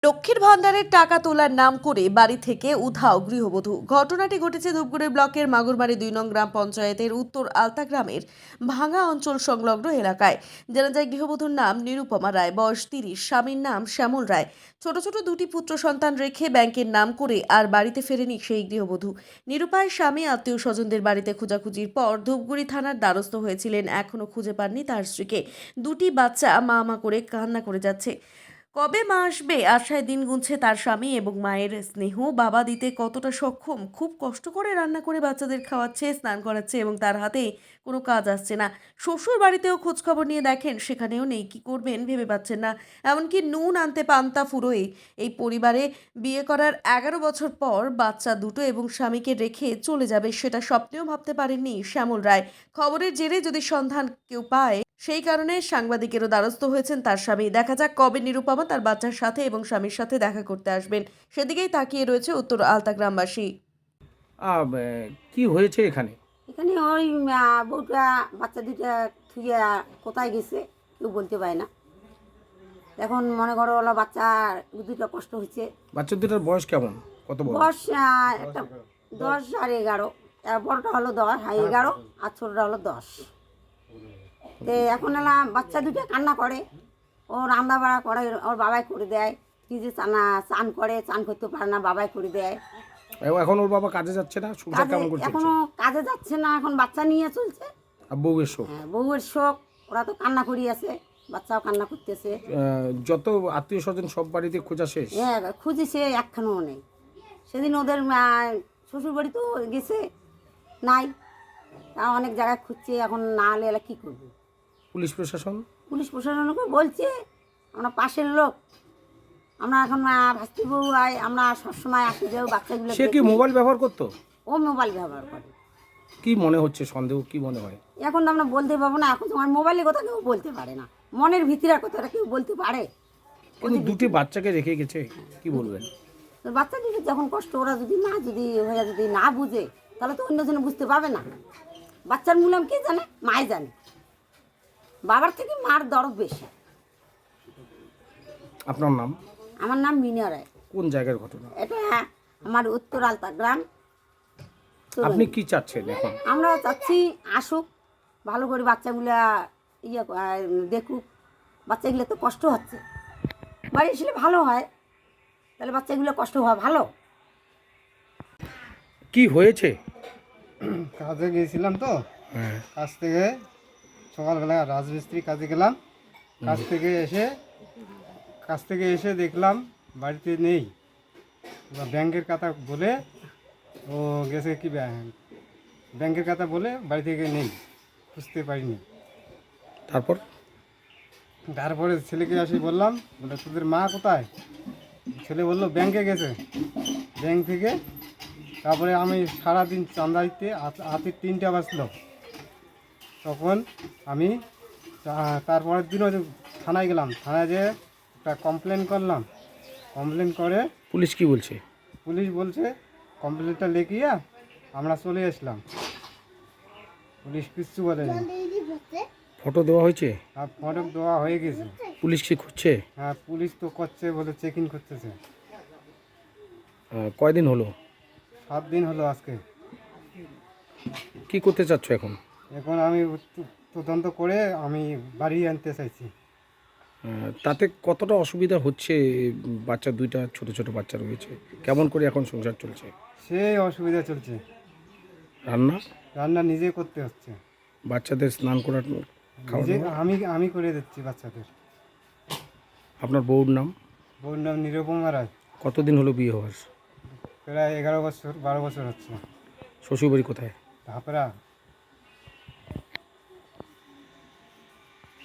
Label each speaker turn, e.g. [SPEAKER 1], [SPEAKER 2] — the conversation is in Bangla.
[SPEAKER 1] লক্ষ্মীর ভান্ডারের টাকা তোলার নাম করে বাড়ি থেকে উধাও গৃহবধূ। ঘটনাটি ঘটেছে ধূপগুড়ি ব্লকের মাগুরমারি ২ নং গ্রাম পঞ্চায়েতের উত্তর আলতা গ্রামের ভাঙা অঞ্চল সংলগ্ন এলাকায়। জানা যায় গৃহবধূর নাম নিরুপমা রায়, বয়স ৩০, স্বামীর নাম শ্যামল রায়। ছোট ছোট দুটি পুত্র সন্তান রেখে ব্যাংকের নাম করে আর বাড়িতে ফেরেনি সেই গৃহবধূ। নিরুপায়ের স্বামী আত্মীয় স্বজনদের বাড়িতে খোঁজাখুঁজির পর ধূপগুড়ি থানার দ্বারস্থ হয়েছিলেন। এখনো খুঁজে পাননি তার স্ত্রীকে। দুটি বাচ্চা মা মা করে কান্না করে যাচ্ছে। কবে মা আসবে আশায় দিন গুনছে তার স্বামী এবং মায়ের স্নেহ বাবা দিতে কতটা সক্ষম। খুব কষ্ট করে রান্না করে বাচ্চাদের খাওয়াচ্ছে, স্নান করাচ্ছে এবং তার হাতে কোনো কাজ আসছে না। শ্বশুর বাড়িতেও খোঁজখবর নিয়ে দেখেন, সেখানেও নেই। কি করবেন ভেবে পাচ্ছেন না। এমনকি নুন আনতে পান্তা ফুরোয়। এই পরিবারে বিয়ে করার ১১ বছর পর বাচ্চা দুটো এবং স্বামীকে রেখে চলে যাবে, সেটা স্বপ্নেও ভাবতে পারেননি শ্যামল রায়। খবরের জেরে যদি সন্ধান কেউ পায়, সেই কারণে সাংবাদিকেরও দ্বারস্থ হয়েছেন তার স্বামী। দেখা যাক কবে নিরুপমা তার বাচ্চার সাথে এবং স্বামীর সাথে দেখা করতে আসবেন, সেদিকেই তাকিয়ে রয়েছে উত্তর আলতা গ্রামবাসী।
[SPEAKER 2] কি হয়েছে এখানে?
[SPEAKER 3] এখানে ওই বউটা বাচ্চা দুটা থুয়ে কোথায় গেছে কেউ বলতে পারে না। এখন মনে করো ওলা বাচ্চা দুটো কষ্ট হচ্ছে।
[SPEAKER 2] বাচ্চা দুটার বয়স কেমন? কত বড়?
[SPEAKER 3] বয়স একটা 10 আর 11। বড়টা হলো 10, 11, আর ছোটটা হলো 10। তো এখন এলা বাচ্চা দুটো কান্না করে, ও রান্না বাড়া করে, ওর বাবাই করে দেয়। কি যে চান করে, চান করতে পারে না, বাবাই করে দেয়।
[SPEAKER 2] এখন ওর বাবা কাজে যাচ্ছে না, সংসার কেমন করছে?
[SPEAKER 3] এখনো কাজে যাচ্ছে না, এখন বাচ্চা নিয়ে চলছে।
[SPEAKER 2] আর বউয়ের শোক?
[SPEAKER 3] হ্যাঁ, বউয়ের শোক। ওরা তো কান্না করি আছে, বাচ্চাও কান্না করতেছে।
[SPEAKER 2] যত আত্মীয় স্বজন সব বাড়িতে খোঁজা শেষ?
[SPEAKER 3] হ্যাঁ, খুঁজিছে, একখানেও নেই। সেদিন ওদের শ্বশুর বাড়ি তো গেছে, নাই। তা অনেক জায়গায় খুঁজছে, এখন না হলে এলা কী করবে।
[SPEAKER 2] পুলিশ প্রশাসন?
[SPEAKER 3] পুলিশ প্রশাসনকে বলছে, আমরা পাশের লোক, আমরা এখন ভাস্তি বউ আয়, আমরা সবসময় আসি যাও বাচ্চাগুলো।
[SPEAKER 2] সে কি মোবাইল ব্যবহার করতো?
[SPEAKER 3] ও মোবাইল ব্যবহার করে।
[SPEAKER 2] কি মনে হচ্ছে, সন্দেহ কি মনে হয়?
[SPEAKER 3] এখন তো আমরা বলতে পারবো না, এখন তোমার মোবাইলের কথা কেউ বলতে পারে না, মনের ভিতরের কথাটা কেউ বলতে পারে।
[SPEAKER 2] কিন্তু দুটি বাচ্চাকে রেখে গেছে, কি বলবেন?
[SPEAKER 3] তো বাচ্চা যদি যখন কষ্ট, ওরা যদি না বুঝে, তাহলে তো অন্যজনে বুঝতে পারবে না। বাচ্চার মূল্যাম কে জানে? মাই জানে। বাবার থেকে মার দরদ বেশি।
[SPEAKER 2] আপনার নাম?
[SPEAKER 3] আমার নাম মিনা রায়।
[SPEAKER 2] কোন জায়গার ঘটনা?
[SPEAKER 3] এটা আমার উত্তর আলতা গ্রাম।
[SPEAKER 2] আপনি কি চাচ্ছেন এখন?
[SPEAKER 3] আমরা চাচ্ছি আসুক, ভালো করে বাচ্চাগুলা দেখুক। বাচ্চাগুলো তো কষ্ট হচ্ছে, বাড়ি আসলে ভালো হয়, তাহলে বাচ্চাগুলো কষ্ট হওয়া ভালো।
[SPEAKER 2] কি হয়েছে?
[SPEAKER 4] কাজে গিয়েছিলাম তো, কাজ থেকে সকালবেলা রাজমিস্ত্রি কাজে গেলাম। কাজ থেকে এসে দেখলাম বাড়িতে নেই। এবার ব্যাংকের কথা বলে ও গেছে, কি ব্যাংকের কথা বলে বাড়ি থেকে নেই, খুঁজতে পারিনি। তারপরে ছেলেকে আসি বললাম, বলে তোদের মা কোথায়? ছেলে বললো ব্যাংকে গেছে। ব্যাংক থেকে তারপরে আমি সারাদিন চাঁদা দিতে হাতে 3টা বাজলো। তখন আমি তারপরের দিনও থানায় গেলাম, থানায় যেয়ে একটা কমপ্লেন করলাম। কমপ্লেন করে
[SPEAKER 2] পুলিশ কি বলছে?
[SPEAKER 4] পুলিশ বলছে কমপ্লেনটা লিখিয়ে আমরা চলে আসলাম। পুলিশ কিচ্ছু বলেনি।
[SPEAKER 2] ফটো দেওয়া হয়েছে?
[SPEAKER 4] আর ফটো দেওয়া হয়ে গেছে।
[SPEAKER 2] পুলিশ কি খুঁজছে?
[SPEAKER 4] হ্যাঁ, পুলিশ তো করছে, বলে চেকিং করতেছে।
[SPEAKER 2] কয়দিন হলো?
[SPEAKER 4] 7 দিন হলো আজকে।
[SPEAKER 2] কি করতে চাচ্ছ এখন?
[SPEAKER 4] এখন আমি তদন্ত করে আমি বাড়ি আনতে চাইছি।
[SPEAKER 2] তাতে কতটা অসুবিধা হচ্ছে? বাচ্চা দুইটা ছোট ছোট বাচ্চা রয়েছে, কেমন করে এখন সংসার চলছে?
[SPEAKER 4] সেই অসুবিধা চলছে।
[SPEAKER 2] রান্না
[SPEAKER 4] নিজে করতে হচ্ছে।
[SPEAKER 2] বাচ্চাদের স্নান করার
[SPEAKER 4] নিজে আমি করে দিচ্ছি বাচ্চাদের।
[SPEAKER 2] আপনার বউর নাম?
[SPEAKER 4] বউর নাম নিরুপমা রায়।
[SPEAKER 2] কতদিন হলো বিয়ে হওয়ার?
[SPEAKER 4] প্রায় 11 বছর 12 বছর হচ্ছে।
[SPEAKER 2] শ্বশুরবাড়ি কোথায়?
[SPEAKER 4] ধাপড়া।